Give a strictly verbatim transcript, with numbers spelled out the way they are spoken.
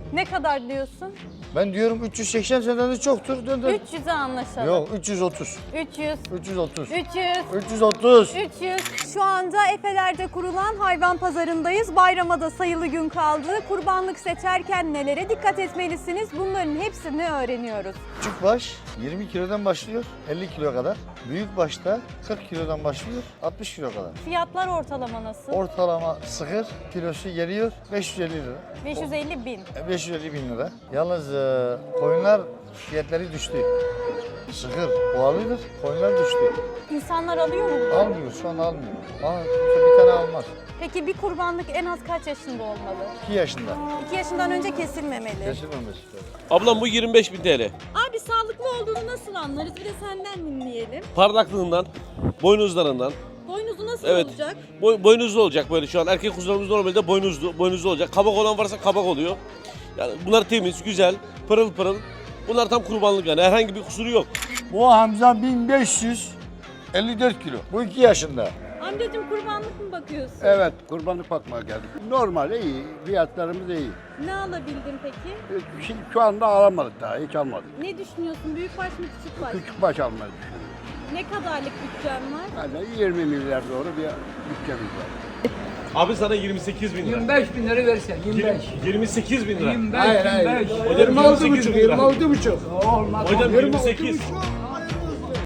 Ne kadar diyorsun? Ben diyorum üç yüz seksen senden de çoktur. Dön dön. üç yüze anlaşalım. Yok üç yüz otuz. üç yüz. üç yüz otuz. üç yüz. üç yüz otuz. üç yüz. Şu anda Efeler'de kurulan hayvan pazarındayız. Bayrama da sayılı gün kaldı. Kurbanlık seçerken nelere dikkat etmelisiniz? Bunların hepsini öğreniyoruz. Küçük baş yirmi kilodan başlıyor elli kilo kadar. Büyük başta kırk kilodan başlıyor altmış kilo kadar. Fiyatlar ortalama nasıl? Ortalama sıkır kilosu geliyor beş yüz elli lira. beş yüz elli bin. E, beş yüz elli bin lira. Yalnız e, koyunlar fiyatları düştü. Sıkır pahalıdır, koyunlar düştü. İnsanlar alıyor mu bunu? Almıyor, şu an almıyor. Aa, bir tane almaz. Peki bir kurbanlık en az kaç yaşında olmalı? iki yaşında. iki yaşından önce kesilmemeli. Kesilmemesi. Ablam bu yirmi beş bin T L. Abi sağlıklı olduğunu nasıl anlarız? Bir de senden dinleyelim. Parlaklığından, boynuzlarından. Boynuzu nasıl Evet. olacak? Boy, boynuzlu olacak böyle şu an. Erkek kuzularımız normalde boynuzlu, boynuzlu olacak. Kabak olan varsa kabak oluyor. Yani bunlar temiz, güzel, pırıl pırıl. Bunlar tam kurbanlık yani. Herhangi bir kusuru yok. Bu Hamza bin beş yüz elli dört kilo. Bu iki yaşında. Amcacığım kurbanlık mı bakıyorsun? Evet, kurbanlık bakmaya geldik. Normal, iyi. Fiyatlarımız iyi. Ne alabildin peki? Şimdi şu anda alamadık daha, hiç almadık. Ne düşünüyorsun? Büyükbaş mı küçükbaş? Küçük baş almayı düşünüyoruz. Ne kadarlık bütçen var? Yani yirmi milyar doğru bir bütçemiz var. Abi sana yirmi sekiz bin lira. yirmi beş bin lira versen, yirmi beş. yirmi sekiz bin lira. yirmi beş, yirmi beş. Hocam yirmi sekiz bin lira. yirmi altı buçuk. Olmaz. Hocam Yirmi yirmi altı sekiz. buçuk.